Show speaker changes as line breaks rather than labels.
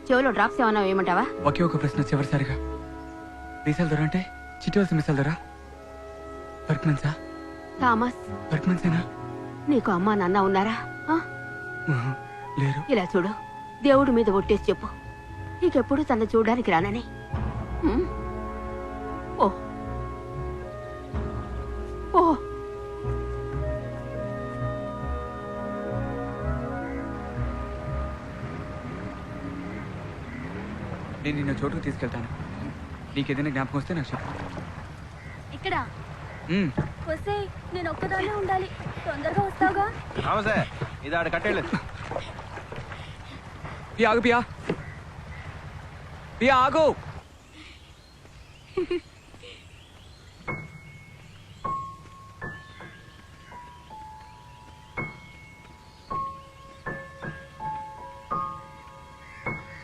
చెవులో డ్రాప్స్ ఏమన్నా వేయమంటావా?
ఒకే ఒక ప్రశ్న చివరిసారిగా, మీసాల దొర అంటే చిట్టువలసిన మీసాల దొర? వర్క్మెన్సా?
థామస్,
వర్క్మెన్సేనా?
నీకు అమ్మా నాన్న ఉన్నారా?
లేరు.
ఇలా చూడు, దేవుడి మీద ఒట్టేసి చెప్పు, నీకెప్పుడు తన చూడడానికి రానని. ఓ ఓ
నేను నిన్న చోటుకు తీసుకెళ్తాను. నీకేదైనా జ్ఞాపకం వస్తే నాకు చెప్పు.
ఇక్కడ వస్తే నేను ఒక్కదాన్నే ఉండాలి. తొందరగా వస్తావుగా?
ఇది ఆడ కట్టేలేదు.
పియా ఆగు, పియా ఆగు.